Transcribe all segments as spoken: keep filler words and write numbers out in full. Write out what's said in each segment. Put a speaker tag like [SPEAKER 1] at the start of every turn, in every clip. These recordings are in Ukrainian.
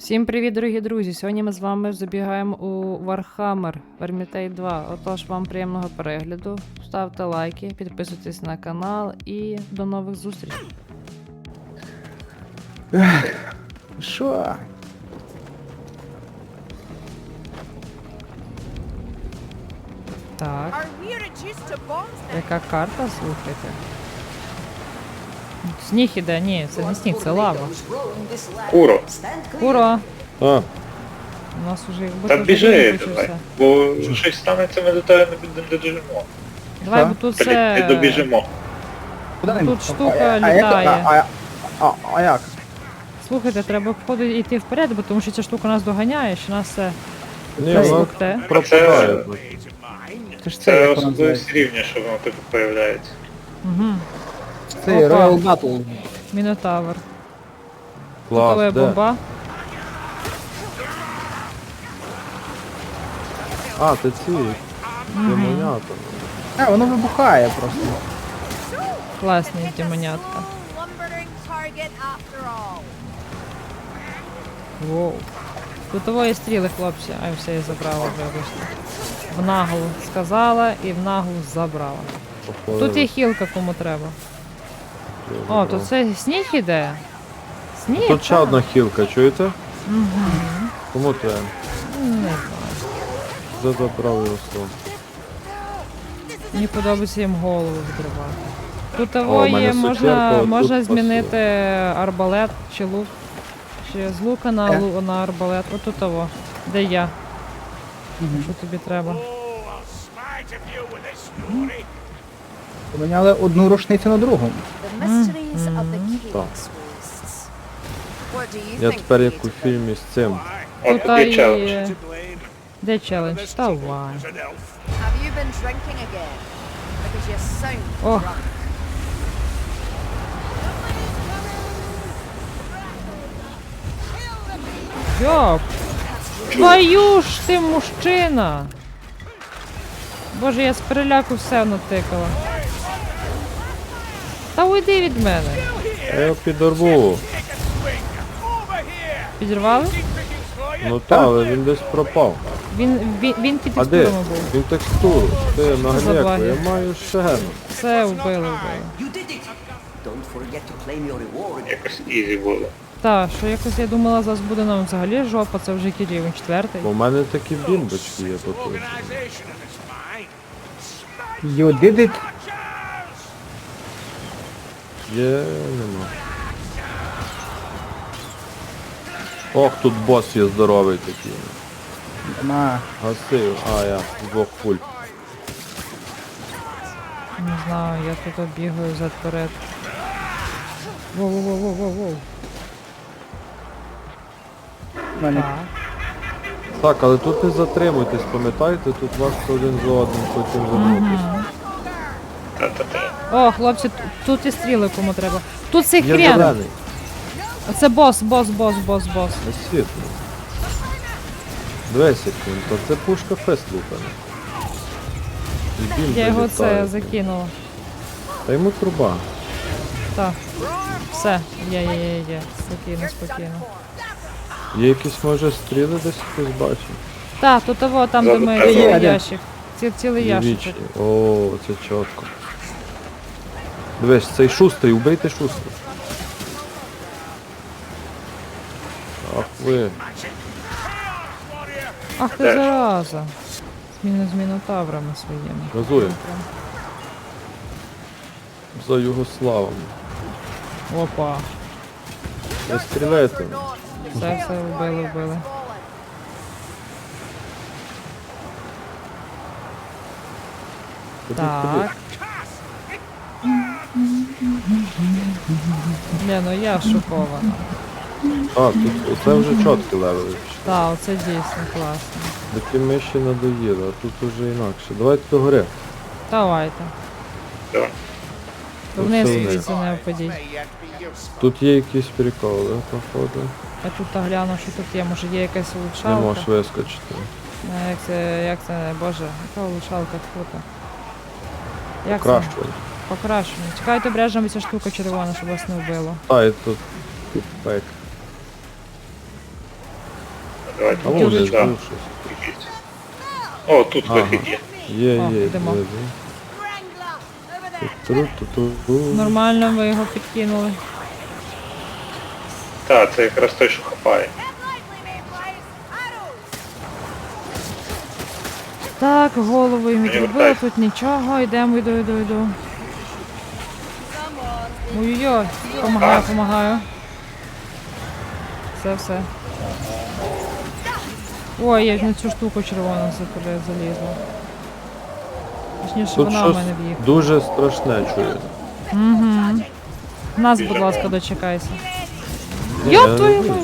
[SPEAKER 1] Всім привіт, дорогі друзі! Сьогодні ми з вами забігаємо у Warhammer Vermintide два. Отож, вам приємного перегляду, ставте лайки, підписуйтесь на канал і до нових зустрічей.
[SPEAKER 2] Що?
[SPEAKER 1] Так, яка карта, слухайте. Сніг іде, ні, це не сніг, це лава.
[SPEAKER 3] Куро,
[SPEAKER 1] Куро!
[SPEAKER 2] А,
[SPEAKER 1] У нас уже якби
[SPEAKER 3] та
[SPEAKER 1] тут
[SPEAKER 3] біжи,
[SPEAKER 1] день
[SPEAKER 3] давай,
[SPEAKER 1] почався.
[SPEAKER 3] бо щось станеться, ми до тебе не добіжимо.
[SPEAKER 1] Давай,
[SPEAKER 2] Що?
[SPEAKER 1] бо тут
[SPEAKER 3] Блін, не
[SPEAKER 1] це...
[SPEAKER 3] добіжимо.
[SPEAKER 2] куди
[SPEAKER 1] Тут
[SPEAKER 2] він?
[SPEAKER 1] штука
[SPEAKER 2] А, а,
[SPEAKER 1] літає.
[SPEAKER 2] А, а, а, а як?
[SPEAKER 1] Слухайте, треба входу йти вперед, бо тому що ця штука нас доганяє, що нас це
[SPEAKER 2] Ні,
[SPEAKER 1] Це
[SPEAKER 2] воно
[SPEAKER 1] те.
[SPEAKER 2] пропадає. Це ж це,
[SPEAKER 3] Це
[SPEAKER 2] як воно
[SPEAKER 3] особливість
[SPEAKER 2] називається?
[SPEAKER 3] рівня, що воно типу появляється.
[SPEAKER 1] Угу.
[SPEAKER 2] Це
[SPEAKER 1] Опа.
[SPEAKER 2] Royal Battle.
[SPEAKER 1] Мінотавр.
[SPEAKER 2] Клас,
[SPEAKER 1] Готова
[SPEAKER 2] де?
[SPEAKER 1] бомба.
[SPEAKER 2] А, це ці. Демонята.
[SPEAKER 4] А, воно вибухає просто.
[SPEAKER 1] Класні демонятка. Воу. Тут стріли, хлопці. Ай, все, я забрала, вибачте. В наглу сказала і в наглу забрала.
[SPEAKER 2] Походу,
[SPEAKER 1] Тут є хілка, кому треба.
[SPEAKER 2] я
[SPEAKER 1] О,
[SPEAKER 2] забрав.
[SPEAKER 1] тут це сніг іде. Сніг?
[SPEAKER 2] Тут ще
[SPEAKER 1] так.
[SPEAKER 2] одна хілка, чуєте?
[SPEAKER 1] Угу.
[SPEAKER 2] Кому треба?
[SPEAKER 1] Не знаю.
[SPEAKER 2] За забрав його слово.
[SPEAKER 1] Мені подобається їм голову відривати. Тут
[SPEAKER 2] О,
[SPEAKER 1] того
[SPEAKER 2] у мене
[SPEAKER 1] є,
[SPEAKER 2] сукерка,
[SPEAKER 1] можна,
[SPEAKER 2] от
[SPEAKER 1] можна
[SPEAKER 2] тут
[SPEAKER 1] змінити арбалет чи лук. Чи з лука на,
[SPEAKER 4] Е?
[SPEAKER 1] лу, на арбалет. Отут того. Де я? Що тобі треба?
[SPEAKER 4] Поміняли одну рушницю на другу.
[SPEAKER 2] Так. Я тепер як у фільмі з цим.
[SPEAKER 3] От
[SPEAKER 1] Тут
[SPEAKER 3] тут є челендж.
[SPEAKER 1] є... Де челендж? Давай. Ох. Йоп! Твою ж ти мужчина! Боже, я з переляку все натикала. Та уйди від мене.
[SPEAKER 2] Я його підорву.
[SPEAKER 1] Підірвали?
[SPEAKER 2] Ну та, але він десь пропав.
[SPEAKER 1] Він, він, він під
[SPEAKER 2] А де?
[SPEAKER 1] текстурами був.
[SPEAKER 2] Він текстуру. Ти на
[SPEAKER 1] за
[SPEAKER 2] гняку,
[SPEAKER 1] баги?
[SPEAKER 2] я маю шену.
[SPEAKER 1] Все вбили, вбили.
[SPEAKER 5] You did it! Don't forget to claim your reward.
[SPEAKER 3] Якось ізі було.
[SPEAKER 1] Так, що якось я думала, зараз буде нам взагалі жопа, це вже який рівень четвертий.
[SPEAKER 2] Бо в мене такі бімбочки є тут.
[SPEAKER 4] You did it.
[SPEAKER 2] Є, нема. Ох, тут бос є здоровий такий.
[SPEAKER 4] На.
[SPEAKER 2] Гасив, а я з двох пуль.
[SPEAKER 1] Не знаю, я тут бігаю зад вперед. Воу-воу-воу-воу-воу.
[SPEAKER 4] В мене
[SPEAKER 1] Так.
[SPEAKER 2] Так, але тут не затримуйтесь, пам'ятайте, тут вас один за одним потім вернутися.
[SPEAKER 3] Та-та-та.
[SPEAKER 1] О, хлопці, т- тут і стріли кому треба. Тут цей
[SPEAKER 2] Є
[SPEAKER 1] хрен!
[SPEAKER 2] зелений,
[SPEAKER 1] А це бос, бос, бос, бос, бос.
[SPEAKER 2] не світло. Дивись, як він, то це пушка фест лупана. І бім
[SPEAKER 1] Я його
[SPEAKER 2] залітає.
[SPEAKER 1] це закинула.
[SPEAKER 2] Та йому труба.
[SPEAKER 1] Так. Все, є, є, є, є. Спокійно, спокійно.
[SPEAKER 2] Є якісь, може, стріли десь хтось бачив?
[SPEAKER 1] Так, тут того, там, де ми
[SPEAKER 3] Є,
[SPEAKER 1] цілий
[SPEAKER 4] є.
[SPEAKER 1] ящик. Ці, цілий ящик.
[SPEAKER 2] Вічні. О, це чітко. Дивись, цей шустрий, убийте шустрий. Ах ви.
[SPEAKER 1] Ах ти зараза. Зміну з мінотаврами своїми.
[SPEAKER 2] Газуємо. За Югославом.
[SPEAKER 1] Опа.
[SPEAKER 2] Не стріляйте.
[SPEAKER 1] Все, все, вбили, вбили.
[SPEAKER 2] Ходіть,
[SPEAKER 1] Так.
[SPEAKER 2] ходіть.
[SPEAKER 1] Не, ну я шокована.
[SPEAKER 2] А, тут оце вже чіткі левели.
[SPEAKER 1] Так, оце дійсно класно.
[SPEAKER 2] Такі ми ще надоїли, а тут уже інакше. Давайте до гори.
[SPEAKER 1] Давайте.
[SPEAKER 3] Давай.
[SPEAKER 1] Вниз
[SPEAKER 2] Оце вниз.
[SPEAKER 1] звідси не впадіть.
[SPEAKER 2] Тут є якісь приколи, походу.
[SPEAKER 1] Я тут гляну, що тут є. Може є якась
[SPEAKER 2] Не
[SPEAKER 1] улучшалка?
[SPEAKER 2] можеш вискочити.
[SPEAKER 1] Е, Як це, як це, боже, яка улучшалка фото? Як це?
[SPEAKER 2] Покращування.
[SPEAKER 1] Покращення. Чекайте обережно, ця штука червона, щоб вас не вбило.
[SPEAKER 2] А, і тут пек.
[SPEAKER 3] Давайте.
[SPEAKER 2] А вон десь
[SPEAKER 3] Да.
[SPEAKER 2] був щось.
[SPEAKER 3] Ідіть. О, тут
[SPEAKER 2] Ага.
[SPEAKER 3] вихід є.
[SPEAKER 2] Є,
[SPEAKER 1] О,
[SPEAKER 2] є,
[SPEAKER 1] йдемо.
[SPEAKER 2] є. Тру-ту-ту-ту.
[SPEAKER 1] Нормально ви його підкинули.
[SPEAKER 3] Так, це якраз той, що хапає.
[SPEAKER 1] Так, голову їм
[SPEAKER 3] Мені
[SPEAKER 1] відробили,
[SPEAKER 3] вертайся.
[SPEAKER 1] тут нічого, йдемо, йду, йду, йду. Ой-ой-ой, помагаю, помагаю. Все, все. Ой, я на цю штуку червону закуди залізла. Точніше,
[SPEAKER 2] Тут
[SPEAKER 1] вона в
[SPEAKER 2] щось
[SPEAKER 1] мене в'їхала.
[SPEAKER 2] дуже страшне чую.
[SPEAKER 1] Угу. Нас, будь
[SPEAKER 3] Біжимо.
[SPEAKER 1] ласка, дочекайся.
[SPEAKER 2] Ні,
[SPEAKER 1] Йоп
[SPEAKER 2] я не
[SPEAKER 1] твою
[SPEAKER 2] вижу.
[SPEAKER 1] мать!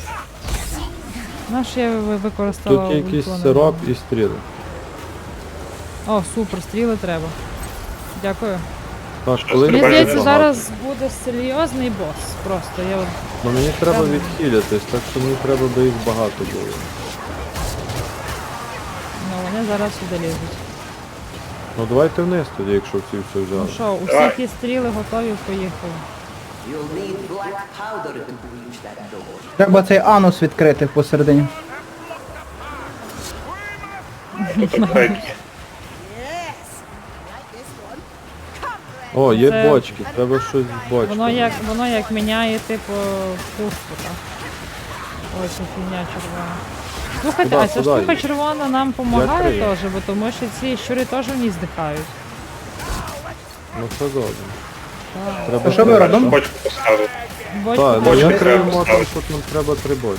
[SPEAKER 1] Наш я ви- використала
[SPEAKER 2] Тут якийсь
[SPEAKER 1] ультони.
[SPEAKER 2] сироп і стріли.
[SPEAKER 1] О, супер, стріли треба. Дякую.
[SPEAKER 2] Так, коли
[SPEAKER 1] Мені
[SPEAKER 3] Треба
[SPEAKER 1] здається,
[SPEAKER 3] багато.
[SPEAKER 1] зараз буде серйозний бос. Просто я от...
[SPEAKER 2] Ну мені треба
[SPEAKER 1] Там-
[SPEAKER 2] відхилятись, так що мені треба, би їх багато було.
[SPEAKER 1] Ну, вони зараз сюди лізуть.
[SPEAKER 2] Ну давайте вниз тоді, якщо всі все
[SPEAKER 1] Ну
[SPEAKER 2] взяли.
[SPEAKER 1] що, у
[SPEAKER 3] Давай.
[SPEAKER 1] всіх є стріли готові, поїхали.
[SPEAKER 5] You'll need black powder to breach that door.
[SPEAKER 4] Треба цей анус відкрити посередині.
[SPEAKER 3] Тут апгрейд є.
[SPEAKER 2] О, є
[SPEAKER 1] Це-
[SPEAKER 2] бочки, треба щось з бочками.
[SPEAKER 1] Воно як, воно як міняє, типу, пустку, так. Ось ця фігня червона. Слухайте,
[SPEAKER 2] Куда,
[SPEAKER 1] а ця
[SPEAKER 2] куда
[SPEAKER 1] штука
[SPEAKER 2] її?
[SPEAKER 1] червона нам допомагає
[SPEAKER 2] крию.
[SPEAKER 1] теж, бо тому що ці щури теж в ній здихають.
[SPEAKER 2] Ну все добре.
[SPEAKER 1] Так.
[SPEAKER 2] Треба
[SPEAKER 4] А що ми
[SPEAKER 2] ще-
[SPEAKER 4] робимо?
[SPEAKER 3] Бочку поставив.
[SPEAKER 1] Бочку
[SPEAKER 2] Так, ну
[SPEAKER 3] Бочки
[SPEAKER 2] я
[SPEAKER 3] треба
[SPEAKER 2] крию мотор,
[SPEAKER 3] поставити.
[SPEAKER 2] тут нам треба три бочки.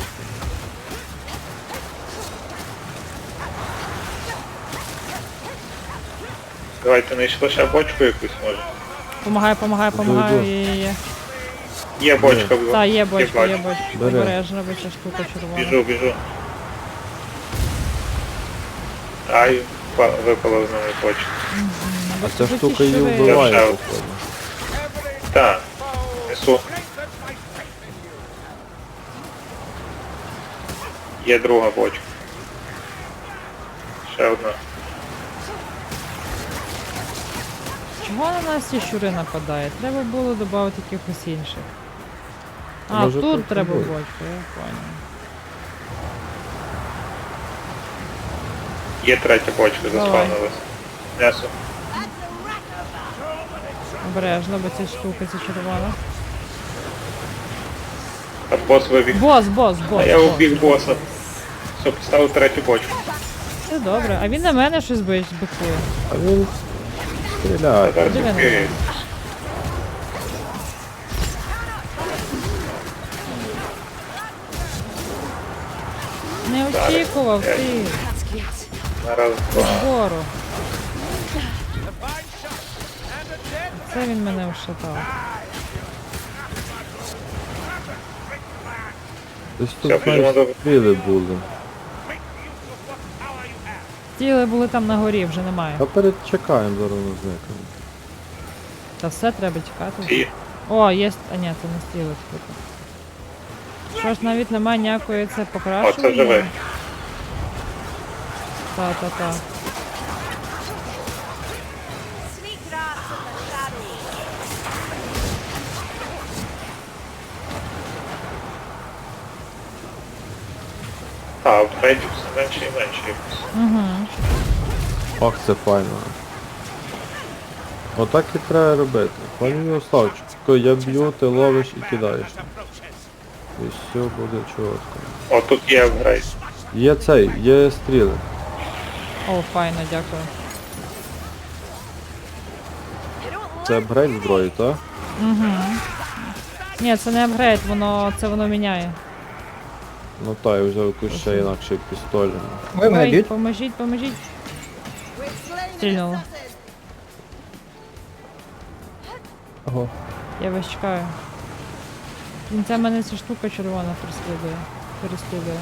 [SPEAKER 3] Давайте знайшли ще бочку якусь може.
[SPEAKER 1] Помагаю, помагаю,
[SPEAKER 2] Йду,
[SPEAKER 1] помагаю.
[SPEAKER 2] йду.
[SPEAKER 1] Є, є, є.
[SPEAKER 3] Є бочка в
[SPEAKER 1] Так, є бочка, є
[SPEAKER 3] бачу.
[SPEAKER 1] бочка.
[SPEAKER 2] Бери.
[SPEAKER 1] Обережно, бо ця штука червона.
[SPEAKER 3] Біжу, біжу. Ай, па- випала з нами бочка.
[SPEAKER 2] А ця
[SPEAKER 1] Бо ці
[SPEAKER 2] штука її
[SPEAKER 1] щури-
[SPEAKER 2] вбиває,
[SPEAKER 3] Я вже-
[SPEAKER 2] походу.
[SPEAKER 3] Так, несу. Є друга бочка. Ще одна.
[SPEAKER 1] Чого на нас ці щури нападають? Треба було додати якихось інших. А,
[SPEAKER 2] Може,
[SPEAKER 1] тут
[SPEAKER 2] тут
[SPEAKER 1] треба
[SPEAKER 2] буде.
[SPEAKER 1] бочку, я понял.
[SPEAKER 3] Є третя бочка,
[SPEAKER 1] Давай.
[SPEAKER 3] заспавнилась. Несу.
[SPEAKER 1] Обережно, бо ця штука, ця червона.
[SPEAKER 3] А бос вибіг.
[SPEAKER 1] Бос, бос, бос.
[SPEAKER 3] А я
[SPEAKER 1] бос.
[SPEAKER 3] убіг боса. Все, поставив третю бочку.
[SPEAKER 1] Все добре. А він на мене щось бич- бикує.
[SPEAKER 2] А він стріляє.
[SPEAKER 3] Зараз
[SPEAKER 1] Диви на
[SPEAKER 3] відкриє.
[SPEAKER 1] Не очікував
[SPEAKER 3] Зараз.
[SPEAKER 1] ти
[SPEAKER 3] На раз, два.
[SPEAKER 1] збору. Це він мене вшатав.
[SPEAKER 2] Десь
[SPEAKER 3] Все,
[SPEAKER 2] тут
[SPEAKER 3] біжимо
[SPEAKER 2] знаєш,
[SPEAKER 3] до-
[SPEAKER 2] стріли були.
[SPEAKER 1] Тіли були там на горі, вже немає.
[SPEAKER 2] Та перечекаємо, зараз воно зникне.
[SPEAKER 1] Та все треба тікати.
[SPEAKER 3] Ті.
[SPEAKER 1] О, є. А ні, це не стіли тут. Що ж, навіть немає ніякої це покращення.
[SPEAKER 3] О, це живе.
[SPEAKER 1] Та, та, та.
[SPEAKER 3] А, апгрейдів все менше і менше якось.
[SPEAKER 1] Угу.
[SPEAKER 2] Ох, це файно. Отак і треба робити. Пані Мирославчик, я б'ю, ти ловиш і кидаєш. І все буде чітко.
[SPEAKER 3] О, тут є апгрейд.
[SPEAKER 2] Є цей, є стріли.
[SPEAKER 1] О, файно, дякую.
[SPEAKER 2] Це апгрейд зброї, так?
[SPEAKER 1] Угу. Ні, це не апгрейд, воно це воно міняє.
[SPEAKER 2] Ну та, я взяв якусь ще інакше пістоль.
[SPEAKER 4] Ви мене
[SPEAKER 1] Ой,
[SPEAKER 4] б'ють?
[SPEAKER 1] поможіть, поможіть. Стрільнуло.
[SPEAKER 4] Ого.
[SPEAKER 1] Я вас чекаю. Кінця мене ця штука червона переслідує. Переслідує.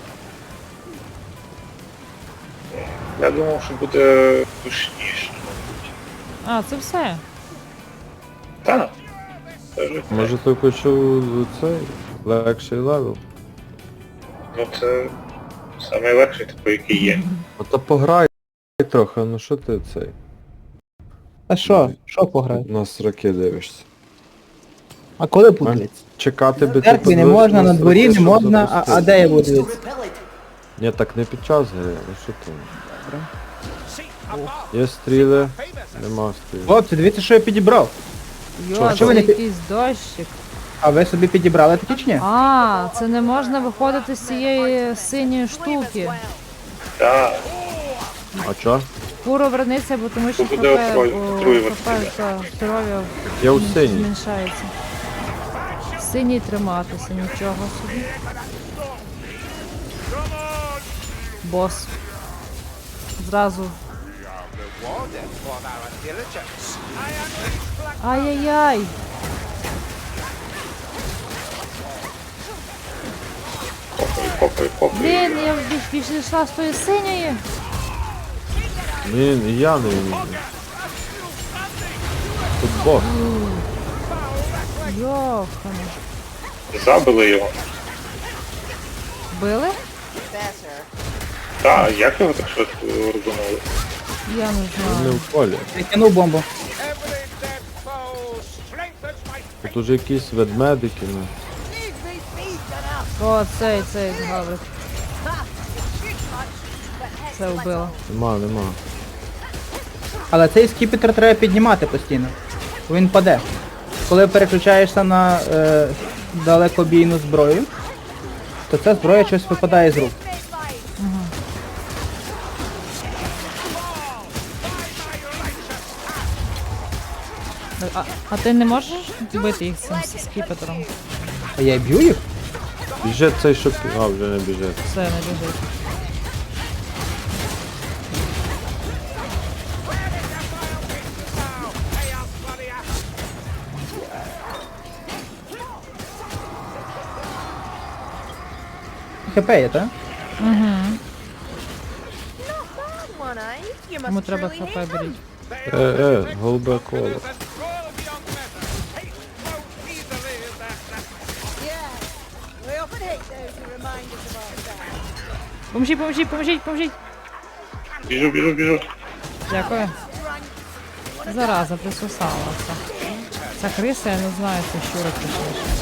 [SPEAKER 3] Я думав, що буде душніше.
[SPEAKER 1] А, це все.
[SPEAKER 3] Так. Це ж-
[SPEAKER 2] Може ти почув цей легший левел?
[SPEAKER 3] Ну це найлегший, типу, який є.
[SPEAKER 2] А та пограй трохи, ну що ти цей?
[SPEAKER 4] А що? Що пограти?
[SPEAKER 2] На сроки дивишся.
[SPEAKER 4] А коли путлять?
[SPEAKER 2] Чекати би
[SPEAKER 4] В церкві не
[SPEAKER 2] подивився
[SPEAKER 4] можна, на
[SPEAKER 2] сроки,
[SPEAKER 4] дворі не
[SPEAKER 2] щоб
[SPEAKER 4] можна, а, а
[SPEAKER 2] запустити.
[SPEAKER 4] де я буду
[SPEAKER 5] To
[SPEAKER 4] дивитися?
[SPEAKER 5] repel it,
[SPEAKER 2] Ні, так не під час гри, ну що там? Є стріли, нема стріл.
[SPEAKER 4] Хлопці, дивіться, що я підібрав.
[SPEAKER 1] Йо,
[SPEAKER 2] Що,
[SPEAKER 1] це
[SPEAKER 2] що
[SPEAKER 4] ви не пі-
[SPEAKER 1] якийсь дощик.
[SPEAKER 4] А ви собі підібрали такі чи ні?
[SPEAKER 1] А, це не можна виходити з цієї синьої штуки.
[SPEAKER 3] Так,
[SPEAKER 2] А чо?
[SPEAKER 1] Фуру вернеться, бо тому що
[SPEAKER 3] Тут
[SPEAKER 1] хп,
[SPEAKER 3] буде отруй-
[SPEAKER 1] о,
[SPEAKER 3] отруювати
[SPEAKER 1] хп
[SPEAKER 3] тебе.
[SPEAKER 1] та здоров'я
[SPEAKER 2] Я у
[SPEAKER 1] зм-
[SPEAKER 2] синій.
[SPEAKER 1] зменшається. Синій триматися, нічого собі. Бос. Зразу. Ай-яй-яй!
[SPEAKER 3] копай, копай, копай.
[SPEAKER 1] Блін, я більш більше йшла з тої синьої.
[SPEAKER 2] Блін, і я не вмію. Тут бос.
[SPEAKER 1] Йохана.
[SPEAKER 3] Забили його.
[SPEAKER 1] Били?
[SPEAKER 3] Так, як його так швидко розуміли?
[SPEAKER 1] Я не
[SPEAKER 2] Він
[SPEAKER 1] знаю.
[SPEAKER 2] не в полі.
[SPEAKER 4] Відкинув бомбу.
[SPEAKER 2] Тут уже якісь ведмедики, ну.
[SPEAKER 1] О, цей, цей гаврик. Це вбило.
[SPEAKER 2] Нема, нема.
[SPEAKER 4] Але цей скіпетр треба піднімати постійно. Бо він паде. Коли переключаєшся на е, далекобійну зброю, то ця зброя щось випадає з рук.
[SPEAKER 1] А, а ти не можеш бити їх цим с- скіпетром?
[SPEAKER 4] А я б'ю їх?
[SPEAKER 2] Біжить цей, що... пі- А, вже не біжить.
[SPEAKER 1] Все, не біжить.
[SPEAKER 4] ХП є, так?
[SPEAKER 1] Кому треба хп беріть.
[SPEAKER 2] Е, е, голубе коло.
[SPEAKER 1] Поможіть, поможіть, поможіть, поможіть.
[SPEAKER 3] Біжу, біжу, біжу.
[SPEAKER 1] Дякую. Зараза, присосалася. Ця криса, я не знаю, це щура точніше.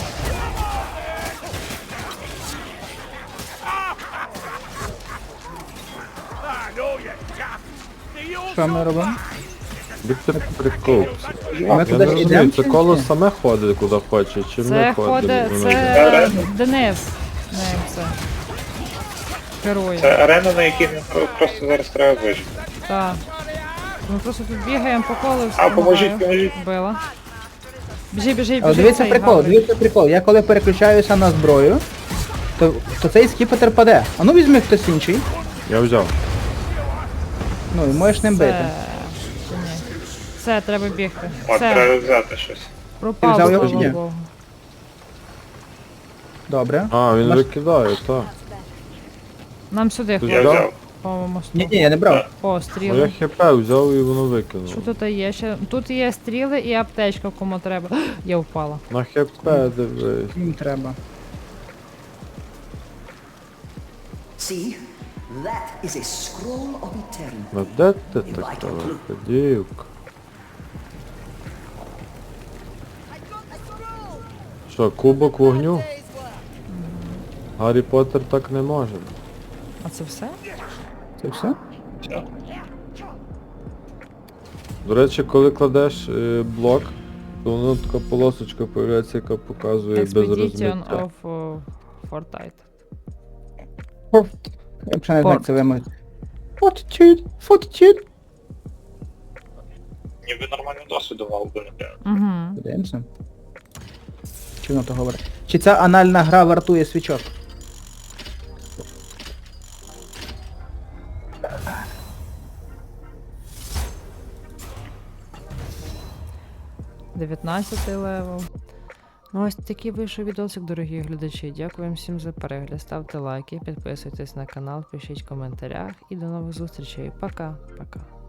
[SPEAKER 4] Що ми робимо?
[SPEAKER 2] Віктор прикол.
[SPEAKER 4] А ми
[SPEAKER 2] Я не
[SPEAKER 4] кудись
[SPEAKER 2] розумію,
[SPEAKER 4] йдемо?
[SPEAKER 2] це коло саме ходить куди хоче, чи ми
[SPEAKER 1] Це
[SPEAKER 2] ходимо?
[SPEAKER 1] ходить,
[SPEAKER 2] воно
[SPEAKER 1] це
[SPEAKER 2] йде?
[SPEAKER 1] Денис. Ним це. Керує.
[SPEAKER 3] Це арена, на якій нам про- просто зараз треба вижити.
[SPEAKER 1] Так. Ми просто тут бігаємо по колу.
[SPEAKER 3] А, поможіть, поможіть.
[SPEAKER 1] Била. Біжи, біжи, біжи.
[SPEAKER 4] Але дивіться
[SPEAKER 1] цей
[SPEAKER 4] прикол,
[SPEAKER 1] гаврик.
[SPEAKER 4] дивіться прикол. Я коли переключаюся на зброю, то, то цей скіпетр паде. А ну візьми хтось інший.
[SPEAKER 2] Я взяв.
[SPEAKER 4] Ну і можеш ним бити.
[SPEAKER 1] Це... чи ні? Все, треба бігти.
[SPEAKER 3] От,
[SPEAKER 1] Все,
[SPEAKER 3] треба взяти щось.
[SPEAKER 1] пропав,
[SPEAKER 4] взяв його
[SPEAKER 1] слава
[SPEAKER 4] чи ні?
[SPEAKER 1] Богу.
[SPEAKER 4] Добре.
[SPEAKER 2] А, він
[SPEAKER 4] Наш-
[SPEAKER 2] викидає, так.
[SPEAKER 1] Нам сюди,
[SPEAKER 2] Ти
[SPEAKER 1] хлопці,
[SPEAKER 3] Я
[SPEAKER 2] взяв?
[SPEAKER 3] взяв.
[SPEAKER 1] по мосту.
[SPEAKER 4] Ні, ні, я не брав.
[SPEAKER 1] О,
[SPEAKER 2] Ну я
[SPEAKER 1] стріли.
[SPEAKER 2] хп взяв і воно викинуло.
[SPEAKER 1] Що тут є ще? Тут є стріли і аптечка, кому треба. Я впала.
[SPEAKER 2] На хп дивись.
[SPEAKER 4] Їм треба.
[SPEAKER 5] See, that is a scroll of eternity.
[SPEAKER 2] Ну де ти така дівка? Що, кубок вогню? Гаррі Поттер так не може.
[SPEAKER 1] А це все?
[SPEAKER 4] Це все?
[SPEAKER 3] Все.
[SPEAKER 2] До речі, коли кладеш е, блок, то воно така полосочка появляється, яка показує без
[SPEAKER 1] Expedition
[SPEAKER 2] розмиття.
[SPEAKER 1] of uh, Fortnite.
[SPEAKER 4] Форт. Я б ще не знаю, як
[SPEAKER 1] Форт.
[SPEAKER 4] це вимовити. Fortitude, fortitude.
[SPEAKER 3] Ніби нормальний досвід давав би, напевно.
[SPEAKER 1] Угу.
[SPEAKER 4] Подивимося. Чи воно то говорить? Чи ця анальна гра вартує свічок?
[SPEAKER 1] дев'ятнадцятий левел. Ну ось такий вийшов відосик, дорогі глядачі. Дякую всім за перегляд. Ставте лайки, підписуйтесь на канал, пишіть в коментарях і до нових зустрічей. Пока. Пока.